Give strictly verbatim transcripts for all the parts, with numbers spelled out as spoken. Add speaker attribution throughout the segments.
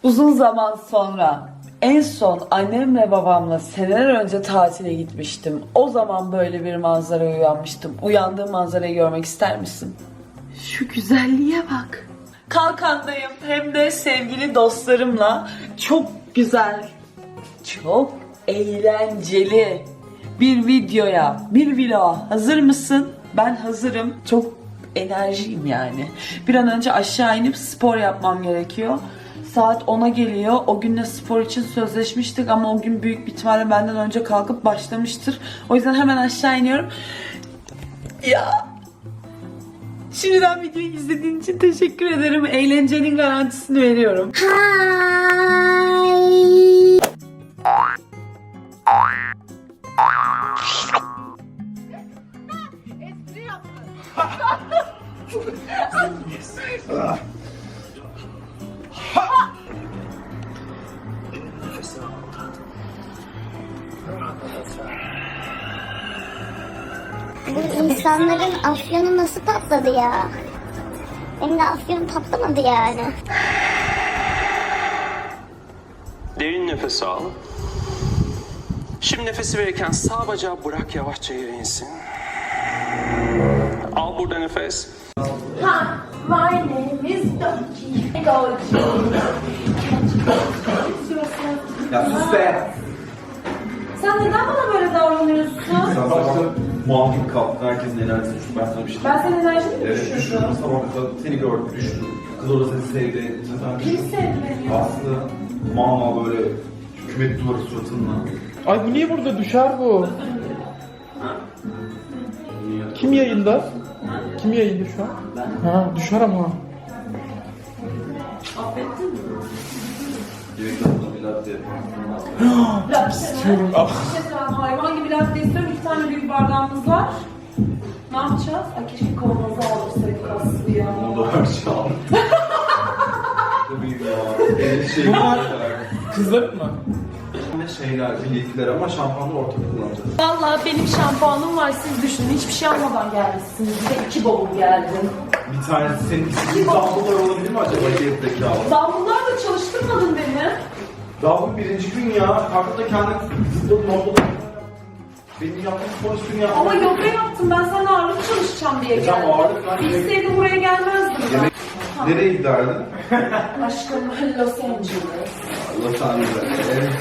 Speaker 1: Uzun zaman sonra en son annemle babamla seneler önce tatile gitmiştim. O zaman böyle bir manzaraya uyanmıştım. Uyandığım manzarayı görmek ister misin? Şu güzelliğe bak. Kalkandayım hem de sevgili dostlarımla çok güzel, çok eğlenceli bir videoya, bir vloga hazır mısın? Ben hazırım. Çok enerjiyim yani. Bir an önce aşağı inip spor yapmam gerekiyor. Saat ona geliyor. O günle spor için sözleşmiştik ama o gün büyük bir ihtimalle benden önce kalkıp başlamıştır. O yüzden hemen aşağı iniyorum. Ya. Şimdiden videoyu izlediğin için teşekkür ederim. Eğlencenin garantisini veriyorum.
Speaker 2: Espri yaptın.
Speaker 3: Bu insanların afyonu nasıl patladı ya? Benim de afyonum patlamadı yani.
Speaker 4: Derin nefes al. Şimdi nefesi verirken sağ bacağı bırak, yavaşça yere insin. Al burada nefes.
Speaker 2: Ha, my name is Doki. Doki.
Speaker 5: Ya sus be!
Speaker 2: Sen neden bana böyle davranıyorsun?
Speaker 5: Sen başta muhakkak kalktın, herkesin enerjisi düştü. Ben sana bir şey
Speaker 2: Ben senin enerjini mi
Speaker 5: Evet, düştüm.
Speaker 2: düşürdüm?
Speaker 5: Sabah kadar seni gördüm, düştüm. Kız orada seni sevdi. Sen
Speaker 2: Kim sevdi beni ya?
Speaker 5: Aslında mama böyle hükümet duvarı suratınla.
Speaker 6: Ay bu niye burada düşer bu? Kim yayında? Kim yayında şu an? Ha düşer ama.
Speaker 2: Affettin mi?
Speaker 5: Yemek yaptığında bir latte
Speaker 2: Latte
Speaker 6: İstiyorum.
Speaker 2: mi?
Speaker 6: Ah.
Speaker 2: Bir şey söyleyeyim, hayvan gibi latte istiyorum. İki tane büyük bardağımız var. Ne yapacağız? Ay keşke kavanozu aldırsaydık Aslı ya.
Speaker 5: Onu da ver çal. Tabii ya. Elin şey
Speaker 6: Bunlar kızların mı?
Speaker 5: Ne şeyler, bilekler ama şampuanı ortak kullanacağız.
Speaker 2: Vallahi benim şampuanım var, siz düşünün. Hiçbir şey almadan gelmişsiniz. Bir de iki bavul geldim.
Speaker 5: Bir tanesi senin istediğin damlalar olabilir mi acaba gezdeki abi?
Speaker 2: Damlalarla çalıştırmadın beni.
Speaker 5: Daha bu birinci gün ya. Kalkıp da kendin zıpladın ortada. Benim yaptığım spor üstünü yaptım.
Speaker 2: Ama yoga yaptım. Ben sana ağırlık çalışacağım diye
Speaker 5: E tamam,
Speaker 2: geldim.
Speaker 5: ağırlık ben-
Speaker 2: İlkseydim buraya gelmezdim ben.
Speaker 5: Yemek- Nereye giderdin?
Speaker 2: Aşkım Los Angeles.
Speaker 5: Los Angeles'e. Evet.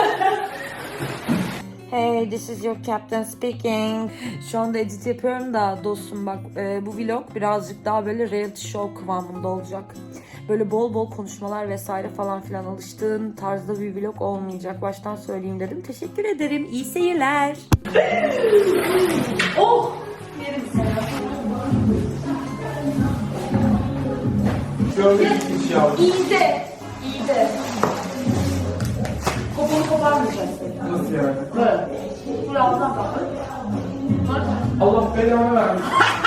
Speaker 1: Hey, this is your captain speaking. Şu anda edit yapıyorum da dostum bak e, bu vlog birazcık daha böyle reality show kıvamında olacak. Böyle bol bol konuşmalar vesaire falan filan alıştığın tarzda bir vlog olmayacak. Baştan söyleyeyim dedim. Teşekkür ederim. İyi seyirler.
Speaker 2: Oh! Yerim seni.
Speaker 5: Gördüğünüz hiç yavrum.
Speaker 2: İyi de. İyi de. Kopunu koparmayacaksın.
Speaker 6: Nasıl yani?
Speaker 2: Böyle. Buraya alttan bak.
Speaker 6: Allah belanı vermiş.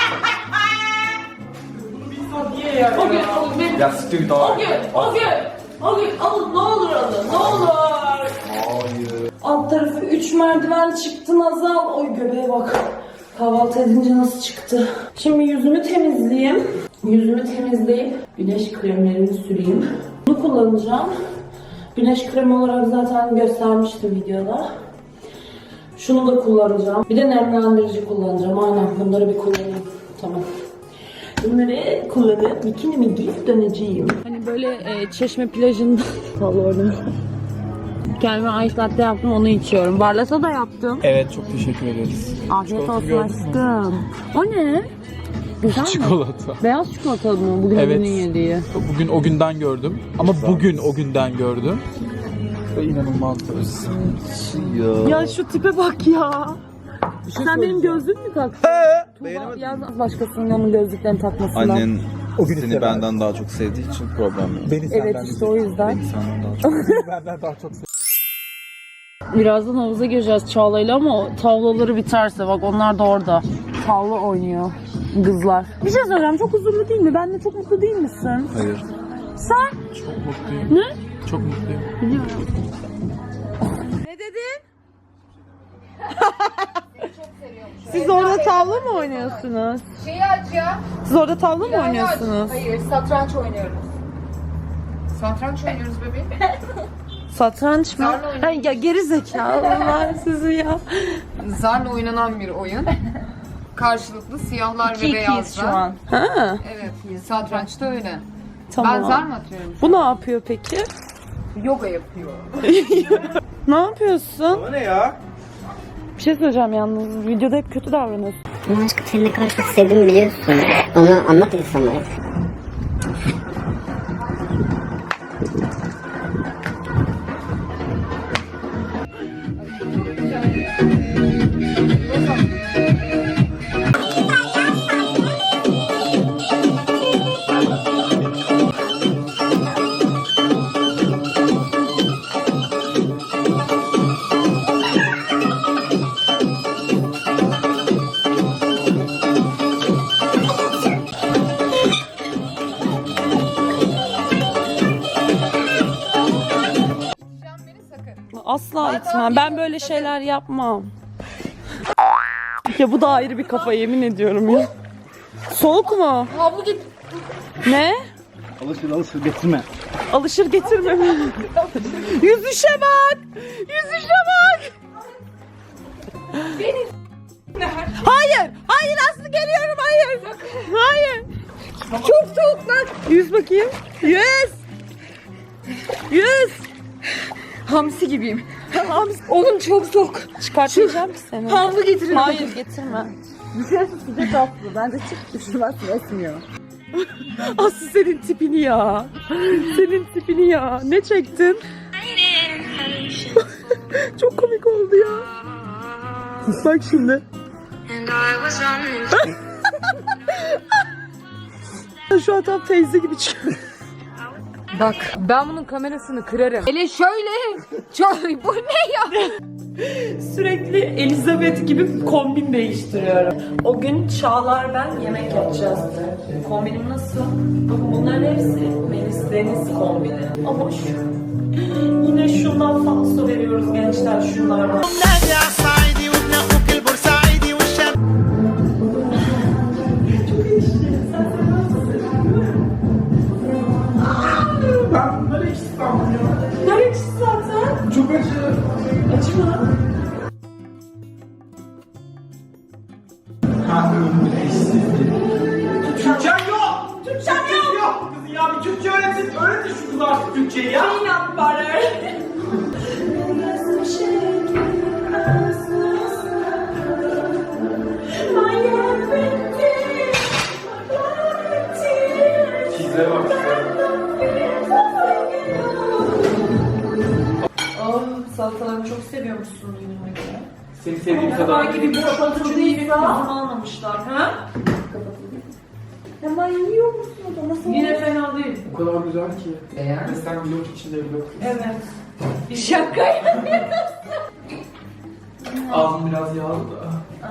Speaker 6: Bir saat niye yer
Speaker 2: O gün,
Speaker 6: ya?
Speaker 2: o gün.
Speaker 5: Ya siktir git abi.
Speaker 2: O gün, o gün. O gün alın, ne olur alın, ne olur.
Speaker 5: Hayır.
Speaker 2: Alt tarafı üç merdiven çıktı Nazal. Oy göbeğe bak. Kahvaltı edince nasıl çıktı? Şimdi yüzümü temizleyeyim. Yüzümü temizleyip güneş kremlerini süreyim. Bunu kullanacağım. Güneş kremi olarak zaten göstermiştim videoda. Şunu da kullanacağım. Bir de nemlendirici kullanacağım. Aynen bunları bir kullanayım. Tamam. Bunları kullanıp bikinimi giyip döneceğim. Hani böyle e, Çeşme plajında kalıyordum. Kendime ice latte yaptım, onu içiyorum. Barlasa da yaptım.
Speaker 6: Evet çok teşekkür ederiz.
Speaker 2: Afiyet
Speaker 6: Çikolata
Speaker 2: olsun
Speaker 6: gördün mü?
Speaker 2: aşkım. O ne? Güzel mi?
Speaker 6: Çikolata.
Speaker 2: Beyaz çikolata mı? Bugün
Speaker 6: Evet.
Speaker 2: bugünün yediği.
Speaker 6: Bugün o günden gördüm. Ama bugün o günden gördüm. Ve inanılmaz.
Speaker 5: Ya.
Speaker 2: Ya şu tipe bak ya. Sen benim gözlüğümü mü taktın?
Speaker 7: Beğenemedin mi?
Speaker 2: Yalnız başkasının onun gözlüklerini takmasından.
Speaker 7: Annen
Speaker 6: O gün
Speaker 7: seni
Speaker 6: istemez.
Speaker 7: benden daha çok sevdiği için problem yok.
Speaker 6: Beni
Speaker 2: Evet
Speaker 6: senden
Speaker 2: işte o yüzden.
Speaker 7: Beni senden daha çok.
Speaker 6: benden daha çok
Speaker 2: Birazdan havuza gireceğiz Çağla'yla ama o tavlaları biterse bak onlar da orada. Tavla oynuyor kızlar. Bir şey söyleyeceğim, çok huzurlu değil mi? Ben de çok mutlu değil misin?
Speaker 7: Hayır.
Speaker 2: Sen?
Speaker 6: Çok mutluyum.
Speaker 2: Ne?
Speaker 6: Çok mutluyum.
Speaker 2: Biliyorum.
Speaker 1: Ne dedin? Siz orada tavla mı oynuyorsunuz?
Speaker 8: Şeyi aç ya.
Speaker 1: Siz orada tavla mı oynuyorsunuz?
Speaker 8: Hayır, satranç oynuyoruz. Satranç oynuyoruz bebeğim.
Speaker 2: Satranç mı?
Speaker 8: Zarla oynuyoruz.
Speaker 2: Ay, ya geri zekalılar sizi ya.
Speaker 8: Zarla oynanan bir oyun. Karşılıklı siyahlar ve
Speaker 2: iki ikiyiz
Speaker 8: beyazlar.
Speaker 2: şu an. Ha,
Speaker 8: Evet, satrançta öyle.
Speaker 2: tamam.
Speaker 8: Ben zar mı atıyorum?
Speaker 2: Bu ne yapıyor peki?
Speaker 8: Yoga yapıyor.
Speaker 2: Ne yapıyorsun?
Speaker 5: O ne ya?
Speaker 2: Bir şey söyleyeceğim yalnız. Videoda hep kötü davranıyorsun.
Speaker 3: Ama aşkım seni ne kadar çok sevdiğimi biliyorsun. Onu anlat insanlara.
Speaker 2: Asla itmem. Ben böyle şeyler yapmam. Ya bu da ayrı bir kafa, yemin ediyorum ya. Soğuk mu?
Speaker 8: Havlu git.
Speaker 2: Ne?
Speaker 5: Alışır alışır getirme.
Speaker 2: Alışır getirme. Yüzüşe bak. Yüzüşe bak. Hayır. Hayır Aslı, geliyorum. Hayır. Hayır. Çok soğuk lan. Yüz bakayım. Yüz. Yüz.
Speaker 8: Hamsi gibiyim.
Speaker 2: Hamsi.
Speaker 8: Oğlum çok soğuk.
Speaker 2: Çıkartacağım ki seni.
Speaker 8: Havlu getirin.
Speaker 2: Hayır getirme.
Speaker 8: Sıcak Aslı. Ben de çık üşümezsin, esmiyor.
Speaker 2: Aslı senin tipini ya. Senin tipini ya. Ne çektin? Çok komik oldu ya. Bak şimdi. Şu an tam teyze gibi çıkıyor.
Speaker 8: Bak ben bunun kamerasını kırarım. Hele şöyle. Çok, bu ne ya?
Speaker 2: Sürekli Elizabeth gibi kombin değiştiriyorum. O gün Çağlar ben yemek yapacağız. Kombinim nasıl? Bakın bunların hepsi Melis Deniz kombini. Ama şu... Yine şundan falso veriyoruz gençler, şunlardan.
Speaker 5: Ben böyle İstanbul ya.
Speaker 2: Nereye çıktı zaten?
Speaker 5: Çok acı.
Speaker 2: Açma.
Speaker 5: Türkçen yok. Türkçen yok. yok. Kızım ya bir Türkçe öğretin. Öğretin şu kızı artık Türkçeyi ya.
Speaker 2: Peanut butter.
Speaker 5: Çizlere bak.
Speaker 2: Oh, salatalarını çok seviyormuşsun duyduğuma göre.
Speaker 5: Seni sevdiğim
Speaker 2: Kadar
Speaker 5: kadar.
Speaker 2: gibi boşaltıldıysa kızımı almamışlar. Ha? Hemen yiyor musun o da? Nasıl? Yine fena değil.
Speaker 5: O kadar güzel ki.
Speaker 8: Eğer
Speaker 5: Ve sen blok içinde blok.
Speaker 2: Evet. Şaka yapıyorsun.
Speaker 5: Ağzım biraz yağlı da.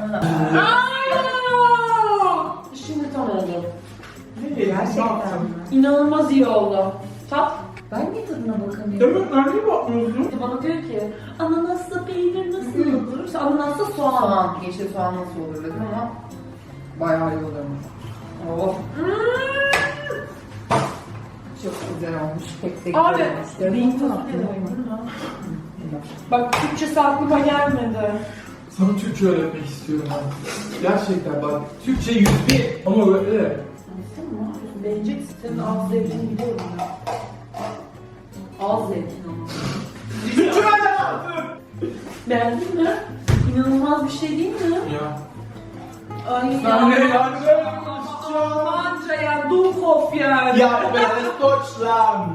Speaker 2: Şimdi tam oldu.
Speaker 5: Gerçekten mi?
Speaker 2: İnanılmaz iyi oldu. Tat.
Speaker 8: ben niye tadına bakamıyorum?
Speaker 5: Evet, nereye bakmıyorsun?
Speaker 2: Bana diyor ki ananasla peynir nasıl olur? İşte ananasla soğan.
Speaker 8: Soğan, yeşil soğan nasıl olur dedim ama bayağı iyi olurmuş. Oh. Çok güzel olmuş. Pek de güzel
Speaker 2: Abi,
Speaker 8: olmuş.
Speaker 2: beyin tatlı. Bak Türkçesi aklıma gelmedi.
Speaker 5: Sana Türkçe öğretmek istiyorum ben. Gerçekten bak. Türkçe yüz bir ama böyle.
Speaker 2: Beğeneceksin. Senin ağız zevkini biliyorum ya. Ağız zevkini ama.
Speaker 5: Türkçe öğretmek.
Speaker 2: Beğendin mi? İnanılmaz bir şey değil mi?
Speaker 5: Ya.
Speaker 2: Ay
Speaker 5: Sen ne
Speaker 2: ya.
Speaker 5: yani böyle konuşacaksın?
Speaker 2: Almanca ya. Dummkopf yani.
Speaker 5: Ya ben Deutschland.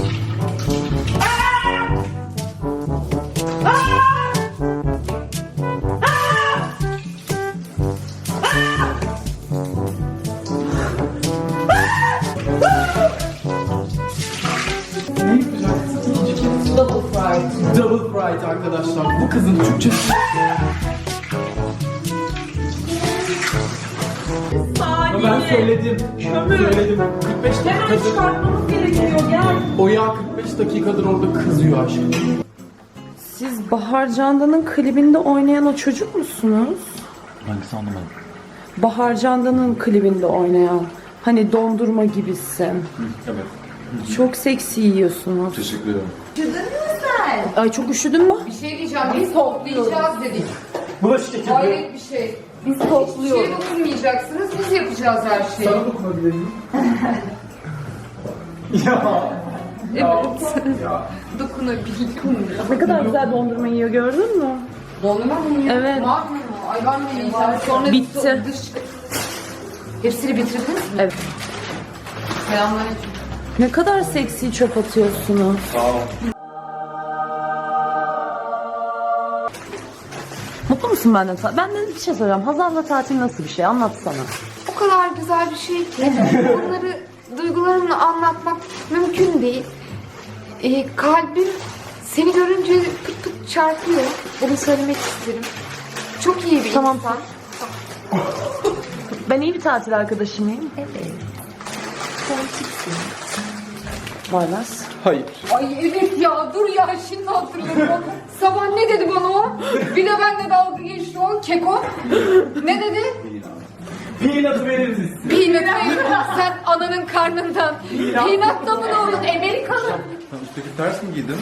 Speaker 8: Double fried.
Speaker 5: Double fried arkadaşlar. Bu kızın Türkçesi. Ama ben söyledim.
Speaker 2: Kömür.
Speaker 5: Söyledim. kırk beş
Speaker 2: Hemen
Speaker 5: dakikadır.
Speaker 2: çıkartmamız gerekiyor. Gel.
Speaker 5: O yağ kırk beş dakikadır orada kızıyor aşkım.
Speaker 2: Siz Bahar Candan'ın klibinde oynayan o çocuk musunuz?
Speaker 7: Hangisi anlamadım.
Speaker 2: Bahar Candan'ın klibinde oynayan. Hani dondurma gibisin.
Speaker 7: Evet.
Speaker 2: Çok seksi yiyorsunuz.
Speaker 5: Teşekkür ederim.
Speaker 2: Ay çok üşüdün mü?
Speaker 8: Bir şey diyeceğim. Biz toplayacağız dedik.
Speaker 5: Bulaşık getirdim.
Speaker 8: Hayret bir şey. Biz topluyoruz. Hiçbir şeye dokunmayacaksınız. Biz yapacağız her şeyi.
Speaker 5: Sana dokunabilir miyim? ya.
Speaker 8: Evet. Dokunabilirim.
Speaker 2: Ne kadar güzel dondurma yiyor gördün mü?
Speaker 8: Dondurma mı yiyor?
Speaker 2: Evet.
Speaker 8: Ne yapıyor? Ay ben de yiyeceğim. Sonra
Speaker 2: Bitti.
Speaker 8: Dış... Hepsini bitirdiniz mi?
Speaker 2: Evet.
Speaker 8: Selamünaleyküm.
Speaker 2: Ne kadar seksi çöp atıyorsunuz.
Speaker 5: Sağ ol.
Speaker 2: Mutlu musun benden? Benden bir şey soracağım. Hazal'la tatil nasıl bir şey? Anlatsana.
Speaker 8: O kadar güzel bir şey ki onları duygularımla anlatmak mümkün değil. Ee, kalbim seni görünce pıt pıt çarpıyor. Bunu söylemek isterim. Çok iyi bir
Speaker 2: Tamam.
Speaker 8: insan.
Speaker 2: Ben iyi bir tatil arkadaşı mıyım?
Speaker 8: Evet.
Speaker 2: Varlas.
Speaker 6: Hayır.
Speaker 8: Ay evet ya dur ya şimdi hatırladım. Sabah ne dedi bana o? Bir de benimle dalga geçti o keko. Ne dedi?
Speaker 5: Peanut'ı veririz.
Speaker 8: Peanut sen ananın karnından. Peanut da mı doğdun? Amerikalı.
Speaker 7: Sen üstteki ters mi giydin?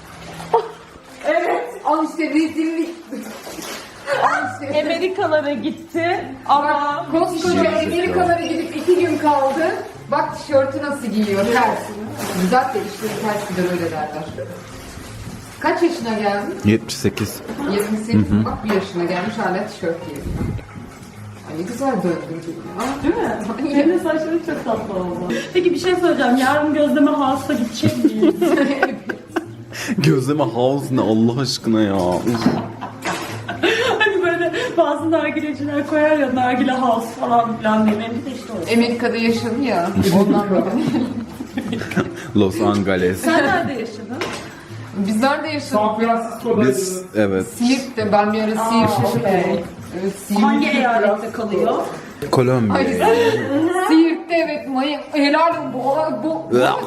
Speaker 8: Al işte rezillik. Al işte.
Speaker 2: Amerikalara gitti ama
Speaker 8: Koskoca Amerikalara gidip iki gün kaldı. Bak tişörtü nasıl giyiyor ters. Güzel de işte ters gider öyle derler. Kaç yaşına geldin?
Speaker 7: yetmiş sekiz.
Speaker 8: yirmi sekiz. Bak bir yaşına gelmiş hala tişört giyiyor. Ay ne güzel döndürdün ya.
Speaker 2: değil mi? Senin saçların çok tatlı oldu. Peki bir şey söyleyeceğim. Yarın gözleme house'a gidecek miyiz?
Speaker 7: Gözleme house ne Allah aşkına ya. Uf.
Speaker 2: Hani böyle bazı nargileciler koyar ya nargile house falan filan diye. Benim de işte o.
Speaker 8: Amerika'da yaşadı ya. Ondan böyle.
Speaker 7: Los Angeles.
Speaker 2: Sen nerede yaşadın?
Speaker 8: Biz nerede yaşadık?
Speaker 5: San Francisco'da.
Speaker 7: Biz evet.
Speaker 8: Siirt'te. Ben bir ara Siirt'te. Evet, Siirt.
Speaker 2: Hangi eyalette kalıyor?
Speaker 7: Kolombiya.
Speaker 8: Ay, Siirt'te evet. Mayın. Helal bu. bu.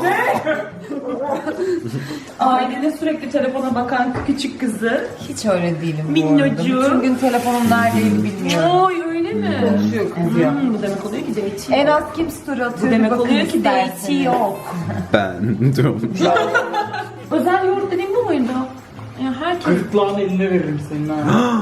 Speaker 2: Ailenin sürekli telefona bakan küçük kızı.
Speaker 8: Hiç öyle değilim bu
Speaker 2: Minnacık.
Speaker 8: arada. Bütün gün telefonum neredeydi bilmiyorum.
Speaker 2: Oy öyle mi?
Speaker 8: Konuşuyor kızıyor.
Speaker 2: Hmm, bu demek oluyor ki date
Speaker 8: En
Speaker 2: yok.
Speaker 8: az kim story
Speaker 2: Bu
Speaker 8: atıyor?
Speaker 2: demek
Speaker 8: bakın
Speaker 2: oluyor ki date
Speaker 8: isterseniz.
Speaker 2: yok.
Speaker 7: Ben diyorum.
Speaker 2: Özel yoğurt dediğim bu muydu? Ya herkes...
Speaker 5: Gırtlağın eline veririm senin ha.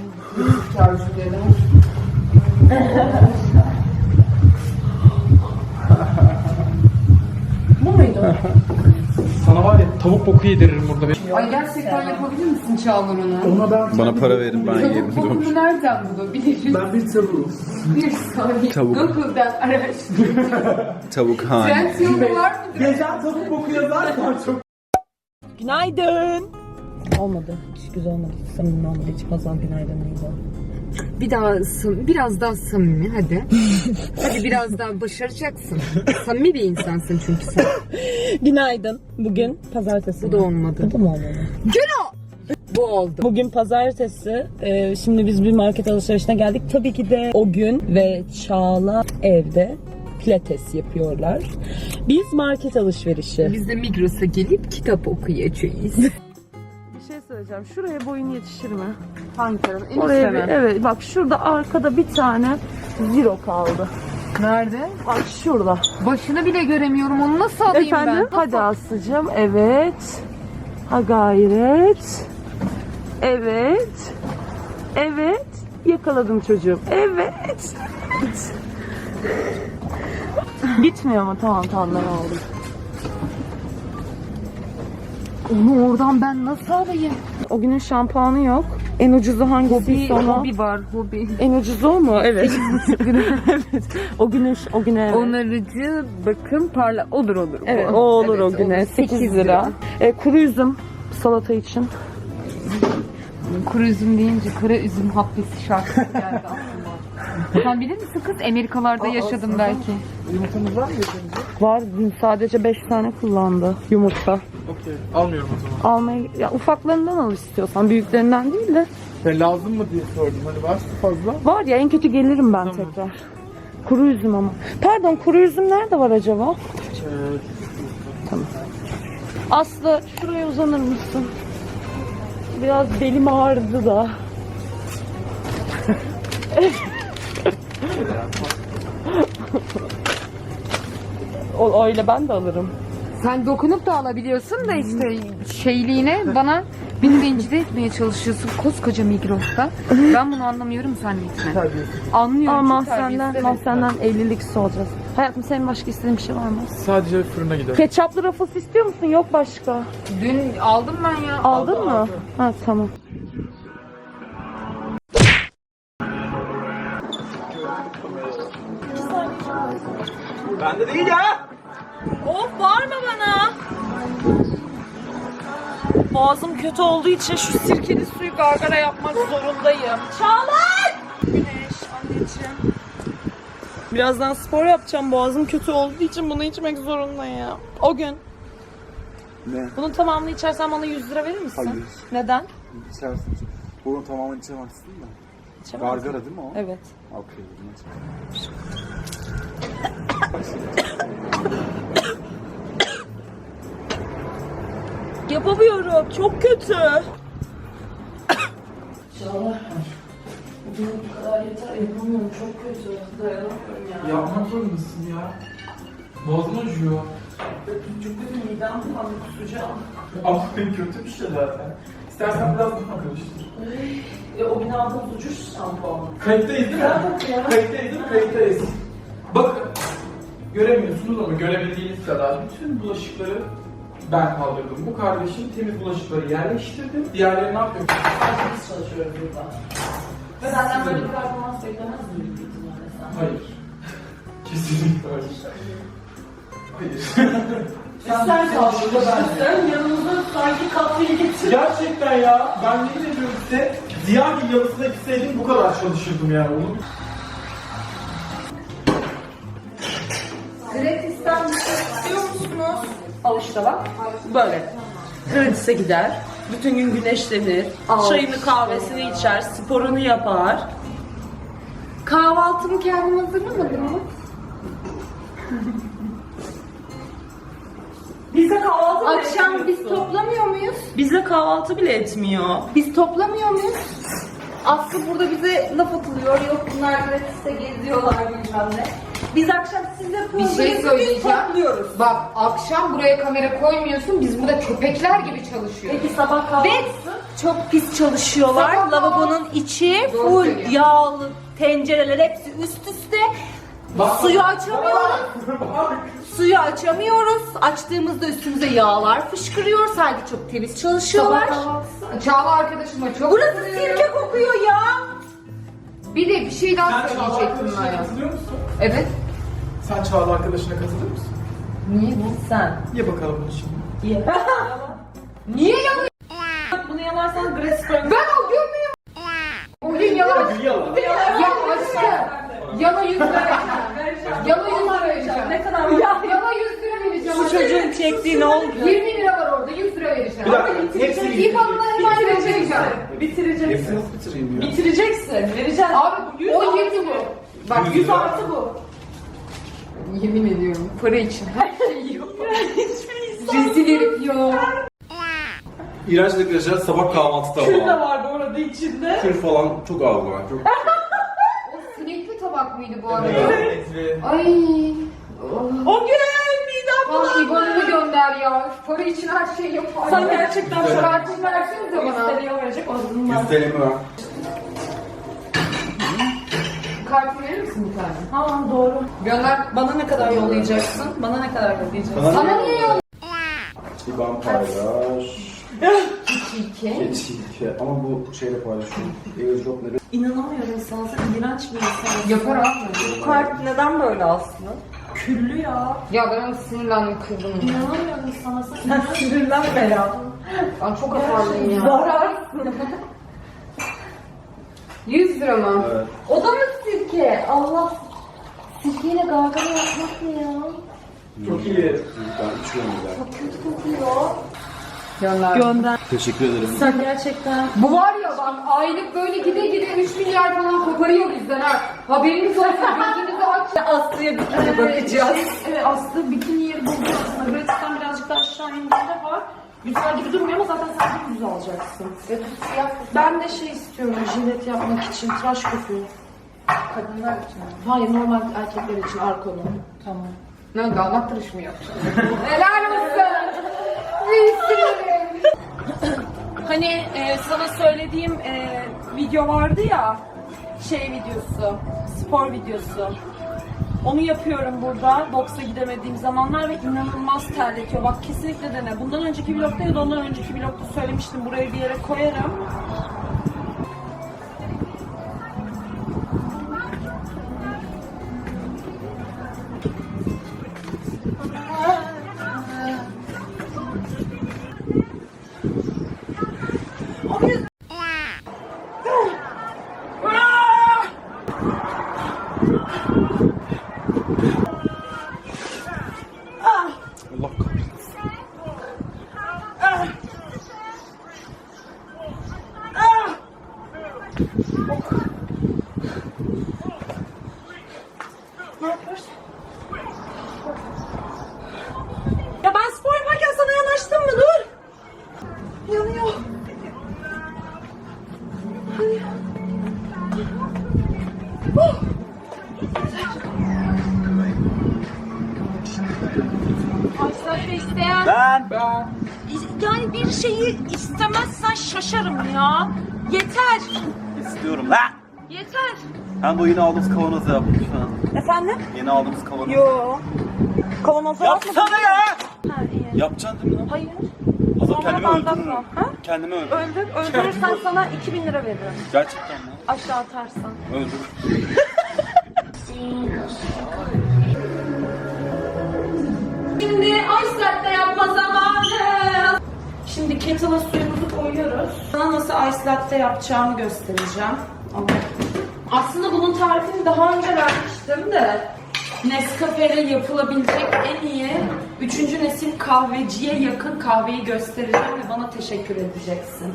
Speaker 2: Bu muydu?
Speaker 6: Sana var ya tavuk boku yediririm burada.
Speaker 8: Ay gerçekten yapabilir misin Çağlar onu?
Speaker 5: Ona ben
Speaker 7: Bana para verin ben yerim.
Speaker 8: Tavuk kokunu nereden bulabiliriz?
Speaker 5: ben bir tavuğum.
Speaker 8: Bir saniye.
Speaker 7: Tavuk.
Speaker 8: Google'dan araştır.
Speaker 7: Tavuk han.
Speaker 8: Trend yolu var mıdır?
Speaker 5: Geçen tavuk boku yazarsan çok.
Speaker 2: Günaydın. Olmadı. Hiç güzel olmadı. Hiç samimi olmadı. Hiç Hazal günaydın neydi?
Speaker 8: Bir daha sam- biraz daha samimi hadi. Hadi biraz daha başaracaksın. Samimi bir insansın çünkü sen.
Speaker 2: Günaydın. Bugün pazartesi.
Speaker 8: Bu da olmadı.
Speaker 2: Bu da mı olmadı?
Speaker 8: Bu oldu.
Speaker 2: Bugün pazartesi. Ee, şimdi biz bir market alışverişine geldik. Tabii ki de o gün ve Çağla evde pilates yapıyorlar. Biz market alışverişi.
Speaker 8: Biz de Migros'a gelip kitap okuyacağız.
Speaker 2: Bir şey söyleyeceğim. Şuraya boyun yetişir mi?
Speaker 8: Hangi taraf? En
Speaker 2: Oraya
Speaker 8: üstte
Speaker 2: bir,
Speaker 8: mi?
Speaker 2: evet bak şurada arkada bir tane zero kaldı.
Speaker 8: Nerede?
Speaker 2: Bak şurada.
Speaker 8: Başını bile göremiyorum. Onu nasıl alayım
Speaker 2: Efendim?
Speaker 8: ben?
Speaker 2: Hadi Aslı'cığım. Evet. Ha gayret. Evet. Evet. Yakaladım çocuğum. Evet. Gitmiyor mu? Tamam tamam ben aldım.
Speaker 8: Onu oradan ben nasıl alayım?
Speaker 2: O günün şampuanı yok. En ucuzu hangisi?
Speaker 8: Hobi, hobi var, hobi.
Speaker 2: En ucuzu o mu? Evet. evet. O güne o güne evet.
Speaker 8: Onarıcı, bakım, parla. Olur olur.
Speaker 2: Evet, o olur
Speaker 8: Evet,
Speaker 2: o güne.
Speaker 8: olur.
Speaker 2: sekiz lira. E, kuru üzüm salata için.
Speaker 8: Kuru üzüm deyince kara üzüm habbesi şarkısı geldi aklıma. Sen bilir misin kız? Amerikalarda yaşadım belki.
Speaker 5: Yumurtamız var mı yeterince?
Speaker 2: Var dün sadece beş tane kullandı yumurta.
Speaker 5: Okey. Almıyorum o zaman.
Speaker 2: Almaya ya ufaklarından al istiyorsan büyüklerinden değil de.
Speaker 5: Sen lazım mı diye sordum. Hani varsa fazla.
Speaker 2: Var ya en kötü gelirim ben tekrar. Kuru üzüm ama. Pardon kuru üzüm nerede var acaba?
Speaker 5: Evet.
Speaker 2: Aslı şuraya uzanır mısın? Biraz belim ağrıdı da. o öyle ben de alırım.
Speaker 8: Sen dokunup da alabiliyorsun da işte şeyliğine bana beni rencide etmeye çalışıyorsun koskoca Migros'ta. Ben bunu anlamıyorum zannetme. Anlıyorum.
Speaker 2: Ama
Speaker 8: çok terbiyesiz,
Speaker 2: senden,
Speaker 8: evet.
Speaker 2: mahzenden evlilik olacağız. Hayatım senin başka istediğin bir şey var mı?
Speaker 6: Sadece fırına gidelim.
Speaker 2: Ketçaplı Ruffles istiyor musun? Yok başka.
Speaker 8: Dün aldım ben ya.
Speaker 2: Aldın mı? Ha tamam.
Speaker 5: Bende değil ya.
Speaker 2: Of bağırma bana. Boğazım kötü olduğu için şu sirkeli suyu gargara yapmak zorundayım. Çağlar! Güneş, anneciğim. Birazdan spor yapacağım. Boğazım kötü olduğu için bunu içmek zorundayım. O gün.
Speaker 5: Ne?
Speaker 2: Bunun tamamını içersen bana yüz lira verir misin?
Speaker 5: Hayır.
Speaker 2: Neden?
Speaker 5: İçersin. Bunun tamamını içemezsin de.
Speaker 2: İçemez misin?
Speaker 5: Gargara değil mi o?
Speaker 2: Evet.
Speaker 5: Okey.
Speaker 2: Yapamıyorum. Çok kötü. Çağlar. Bugün bu kadar yeter. Yapamıyorum. Çok kötü. Dayanamıyorum ya.
Speaker 6: Yapmak zorundasın ya. Boğazım acıyor.
Speaker 2: Çok kötü. Midem bulandı. Kusacağım.
Speaker 6: Ama kötü bir şey zaten. İstersen biraz daha karıştır.
Speaker 2: E, o gün aldığımız ucuz şampuan.
Speaker 6: Kayıttayız değil mi? Kayıttayız değil mi? Kayıttayız. Bakın. Göremiyorsunuz ama görebildiğiniz kadar bütün bulaşıkları ben kaldırdım. Bu kardeşim temiz bulaşıkları yerleştirdi. Diğerleri ne yapıyor?
Speaker 2: Biz çalışıyoruz burada. Ve senden böyle bir performans beklemez miyim?
Speaker 6: Hayır. Kesinlikle hayır. Hayır.
Speaker 2: Sen çalıştın. Sen yanımıza sanki katlıyı getir.
Speaker 6: Gerçekten ya. Ben yemin ediyorum size Ziyagil yalısına gitseydim bu kadar çalışırdım yani. Onu
Speaker 2: Gratis'ten bir şey istiyor musunuz? Al işte bak. Böyle. Gratis'e gider. Bütün gün güneşlenir. Çayını kahvesini içer. Sporunu yapar.
Speaker 8: Kahvaltımı kendim hazırlamadım mı?
Speaker 2: Bizde kahvaltı bile
Speaker 8: Akşam biz
Speaker 2: etmiyorsun.
Speaker 8: toplamıyor muyuz?
Speaker 2: Bizde kahvaltı bile etmiyor.
Speaker 8: Biz toplamıyor muyuz? Aslı burada bize laf atılıyor. Yok bunlar gratis'te geziyorlar bilmem ne.
Speaker 2: Biz akşam sizle
Speaker 8: Bir şey söyleyeceğim.
Speaker 2: topluyoruz.
Speaker 8: Bak akşam buraya kamera koymuyorsun. Biz burada köpekler gibi çalışıyoruz.
Speaker 2: Peki sabah kahvaltısı?
Speaker 9: Çok pis çalışıyorlar.
Speaker 8: Sabah
Speaker 9: Lavabonun içi
Speaker 8: Doğru
Speaker 9: full
Speaker 8: söylüyorsun.
Speaker 9: yağlı, tencereler hepsi üst üste. Suyu açamıyoruz. Suyu açamıyoruz. Açtığımızda üstümüze yağlar fışkırıyor. Sanki çok temiz çalışıyorlar.
Speaker 8: Çağla arkadaşıma çok
Speaker 9: Burası
Speaker 8: kızıyorum.
Speaker 9: sirke kokuyor ya.
Speaker 8: Bir de bir şey daha
Speaker 6: Sen Çağla
Speaker 8: söyleyecektim
Speaker 6: arkadaşına
Speaker 8: ben.
Speaker 6: katılıyor musun?
Speaker 8: Evet.
Speaker 6: Sen Çağla arkadaşına katılır mısın?
Speaker 8: Niye?
Speaker 2: Sen.
Speaker 6: Ye bakalım bunu şimdi.
Speaker 2: Ye.
Speaker 8: Niye yalan?
Speaker 2: Bunu yalarsan gratis koyun.
Speaker 8: Ben o gömüyüm. O gün yalan.
Speaker 6: Yala.
Speaker 8: Ya aşkım. Yana yüz lira vereceğim. Yana yüz lira vereceğim.
Speaker 2: Ne kadar
Speaker 8: Ya, yana yüz lira vereceğim.
Speaker 2: Bu çocuğun çektiği ne oldu?
Speaker 8: yirmi lira var orada. yüz lira vereceğim.
Speaker 5: Bir dakika. Hepsini
Speaker 8: İfan'dan hemen vereceğim.
Speaker 2: Bitireceksin.
Speaker 5: nasıl bitireyim ya?
Speaker 2: Bitireceksin. Vereceksin.
Speaker 8: Abi
Speaker 2: yüz
Speaker 8: o
Speaker 2: artı
Speaker 8: yedi bu. Bak
Speaker 2: yüz
Speaker 8: yüz
Speaker 2: artı bu.
Speaker 8: Yemin ediyorum. Para için her şeyi yok. Rezil herif ya.
Speaker 5: İğrenç arkadaşlar sabah kahvaltıda
Speaker 2: Kül de
Speaker 5: falan.
Speaker 2: var bu arada içinde.
Speaker 5: Kül falan çok ağır var. Çok
Speaker 8: O sinekli tabak mıydı bu arada?
Speaker 6: Evet.
Speaker 8: Ay.
Speaker 2: O gün midem
Speaker 8: Bana
Speaker 2: bulandı.
Speaker 8: İban'ımı gönder ya. Para için her şeyi yapar.
Speaker 2: Sen gerçekten şu an
Speaker 8: Kartını versenize bana.
Speaker 2: istediğini verecek o zaman.
Speaker 5: Yüzdelemi var.
Speaker 8: Kartını verir misin bir tane?
Speaker 2: Ha doğru.
Speaker 8: Gönder.
Speaker 2: Bana ne kadar yollayacaksın? Bana ne kadar yollayacaksın?
Speaker 8: Sana niye yok?
Speaker 5: İban paylaş.
Speaker 8: İki.
Speaker 5: Geçik. Ama bu şeyle paylaşıyorum. Airdrop'ları.
Speaker 2: İnanamıyorum sana. Sen iğrenç bir insansın.
Speaker 8: Yapar abi.
Speaker 2: Bu kart neden böyle aslında? Küllü ya.
Speaker 8: Ya ben onu sinirlendim kırdım.
Speaker 2: İnanamıyorum sana. Sen sinirlenme ya.
Speaker 8: Ben çok atarlıyım ya.
Speaker 2: Zararsın.
Speaker 8: yüz lira mı?
Speaker 5: Evet.
Speaker 9: O da mı sirke? Allah. Sirkeyle gargara yapmak ne ya?
Speaker 6: Çok iyi.
Speaker 5: Ben içiyorum bir daha.
Speaker 9: Kötü kokuyor.
Speaker 8: Gönder.
Speaker 2: Gönder.
Speaker 5: Teşekkür ederim.
Speaker 2: Sen gerçekten.
Speaker 8: Bu var ya bak aylık böyle gide gide üç milyar falan koparıyor bizden ha. Haberiniz olsun gözünüzü aç.
Speaker 2: Aslı'ya bikini bakacağız. Evet Aslı bikini yeri buldu aslında. Gratis'ten birazcık daha aşağı indiğinde var. Güzel gibi durmuyor ama zaten sen de güzel alacaksın. Ben de şey istiyorum jilet yapmak için. Tıraş kokuyor.
Speaker 8: Kadınlar için.
Speaker 2: Hayır normal erkekler için arkonu. Tamam.
Speaker 8: Ne damat tıraşı mı yapacaksın? Helal olsun. İyisin.
Speaker 2: Hani e, sana söylediğim e, video vardı ya, şey videosu, spor videosu. Onu yapıyorum burada, boksa gidemediğim zamanlar ve inanılmaz terletiyor. Bak kesinlikle dene. Bundan önceki vlogda ya da ondan önceki vlogda söylemiştim. Burayı bir yere koyarım.
Speaker 7: Allah kahretsin.
Speaker 2: Ne yapıyorsun? Ya ben spor yaparken sana yanaştım mı? Dur. Yanıyor. Hadi. Oh. Aysel Bey isteyen...
Speaker 5: Ben.
Speaker 6: Ben.
Speaker 2: Yani bir şeyi istemezsen şaşarım ya. Yeter.
Speaker 5: İstiyorum lan.
Speaker 2: Yeter.
Speaker 5: Ben bu yeni aldığımız kavanozu yap lütfen.
Speaker 2: Efendim?
Speaker 5: Yeni aldığımız kavanoz.
Speaker 2: Yo. Kavanoza
Speaker 5: Yapsana ya.
Speaker 2: Ha, iyi.
Speaker 5: Yapacaksın değil mi lan?
Speaker 2: Hayır.
Speaker 5: Hazır
Speaker 2: Sonra
Speaker 5: kendimi
Speaker 2: bardak
Speaker 5: öldürürüm.
Speaker 2: mı? Ha?
Speaker 5: Kendimi öldürürüm.
Speaker 2: Öldür. Öldürürsen sana iki bin lira veririm.
Speaker 5: Gerçekten mi?
Speaker 2: Aşağı atarsan.
Speaker 5: Öldür.
Speaker 2: Şimdi ice latte yapma zamanı. Şimdi kettle'a suyumuzu koyuyoruz. Sana nasıl ice latte yapacağımı göstereceğim. Aslında bunun tarifini daha önce vermiştim de Nescafe'de yapılabilecek en iyi üçüncü nesil kahveciye yakın kahveyi göstereceğim ve bana teşekkür edeceksin.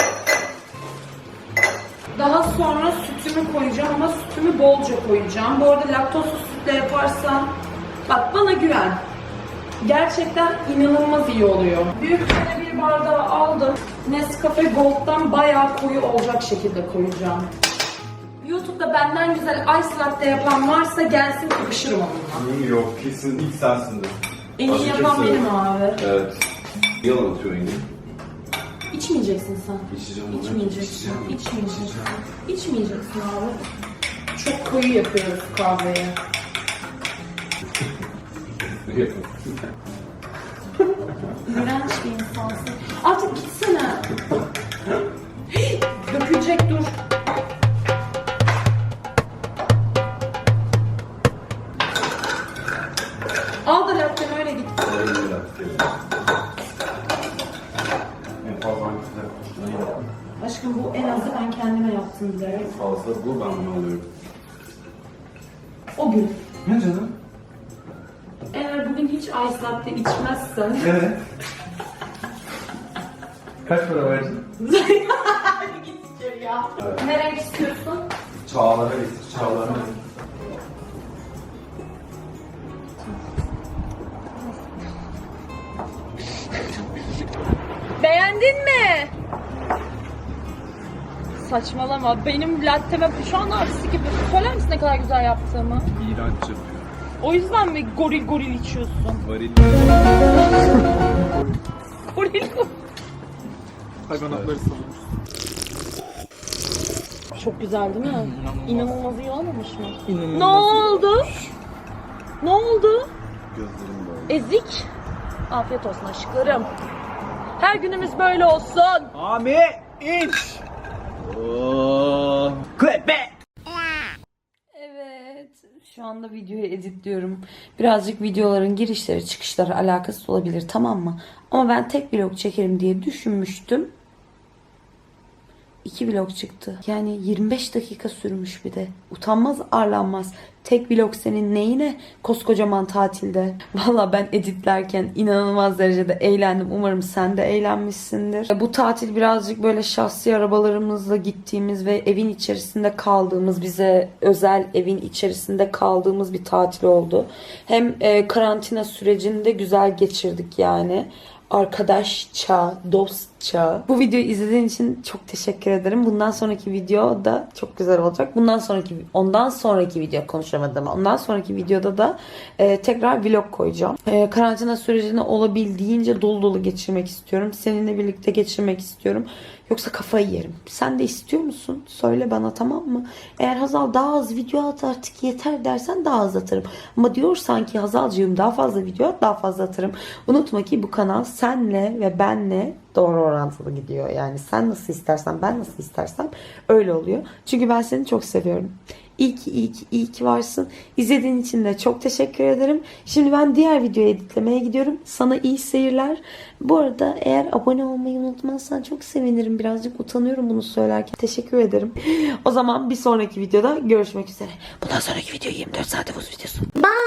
Speaker 2: Daha sonra sütümü koyacağım ama sütümü bolca koyacağım. Bu arada laktozsuz sütle yaparsan bak bana güven. Gerçekten inanılmaz iyi oluyor. Büyük bir bardağı aldım. Nescafe Gold'dan bayağı koyu olacak şekilde koyacağım. YouTube'da benden güzel ice latte yapan varsa gelsin kapışırım onunla.
Speaker 5: Yok kesin ilk sensindir.
Speaker 2: En iyi
Speaker 5: Başka
Speaker 2: yapan
Speaker 5: kimse
Speaker 2: benim
Speaker 5: yok.
Speaker 2: abi.
Speaker 5: Evet. Yalan atıyor yine.
Speaker 2: İçmeyeceksin sen.
Speaker 5: İçeceğim onu.
Speaker 2: İçmeyeceksin. İçmeyeceksin. İçmeyeceksin abi. Çok koyu yapıyoruz kahveyi. İğrenç bir insansın. Artık gitsene. Dökülecek dur. Al da latteni öyle git.
Speaker 5: En fazla hangisine?
Speaker 2: Aşkım bu en azı ben kendime yaptım bilerek.
Speaker 5: Fazla bu ben bunu alıyorum.
Speaker 2: O gün.
Speaker 5: Ne canım?
Speaker 2: Eğer bugün hiç ice latte içmezsen.
Speaker 5: Evet. Kaç para verdin?
Speaker 2: Git içeri ya. Ne renk istiyorsun?
Speaker 5: Çağlar'a getir, Çağlar'a.
Speaker 2: Beğendin mi? Saçmalama. Benim latteme şu an abisi gibi. Söyler misin ne kadar güzel yaptığımı?
Speaker 7: İğrenç yapıyor.
Speaker 2: O yüzden mi goril goril içiyorsun?
Speaker 7: Varil.
Speaker 2: Goril
Speaker 6: Hayvanatları savunmuş.
Speaker 2: Çok güzel değil mi? İnanılmaz iyi olmamış mı?
Speaker 6: İnanılmaz
Speaker 2: Ne oldu? Ne oldu?
Speaker 7: Gözlerim böyle.
Speaker 2: Ezik. Afiyet olsun aşklarım. Her günümüz böyle olsun.
Speaker 5: Ami iç. Oh. Clap back.
Speaker 1: Evet, şu anda videoyu editliyorum. Birazcık videoların girişleri çıkışları alakasız olabilir, tamam mı? Ama ben tek vlog çekerim diye düşünmüştüm. İki vlog çıktı. Yani yirmi beş dakika sürmüş bir de. Utanmaz arlanmaz. Tek vlog senin neyine koskocaman tatilde. Valla ben editlerken inanılmaz derecede eğlendim. Umarım sen de eğlenmişsindir. Bu tatil birazcık böyle şahsi arabalarımızla gittiğimiz ve evin içerisinde kaldığımız, bize özel evin içerisinde kaldığımız bir tatil oldu. Hem e, karantina sürecini de güzel geçirdik yani. Arkadaşça, dost çağı. Bu videoyu izlediğin için çok teşekkür ederim. Bundan sonraki video da çok güzel olacak. Bundan sonraki ondan sonraki video konuşamadım. Ondan sonraki videoda da e, tekrar vlog koyacağım. E, karantina sürecini olabildiğince dolu dolu geçirmek istiyorum. Seninle birlikte geçirmek istiyorum. Yoksa kafayı yerim. Sen de istiyor musun? Söyle bana, tamam mı? Eğer Hazal daha az video at artık yeter dersen daha az atarım. Ama diyorsan ki Hazalcığım daha fazla video at, daha fazla atarım. Unutma ki bu kanal senle ve benle doğru orantılı gidiyor. Yani sen nasıl istersen, ben nasıl istersem öyle oluyor. Çünkü ben seni çok seviyorum. İyi ki, iyi ki, iyi ki varsın. İzlediğin için de çok teşekkür ederim. Şimdi ben diğer videoyu editlemeye gidiyorum. Sana iyi seyirler. Bu arada eğer abone olmayı unutmazsan çok sevinirim. Birazcık utanıyorum bunu söylerken. Teşekkür ederim. O zaman bir sonraki videoda görüşmek üzere. Bundan sonraki video yirmi dört saat havuz videosu.
Speaker 3: Bye.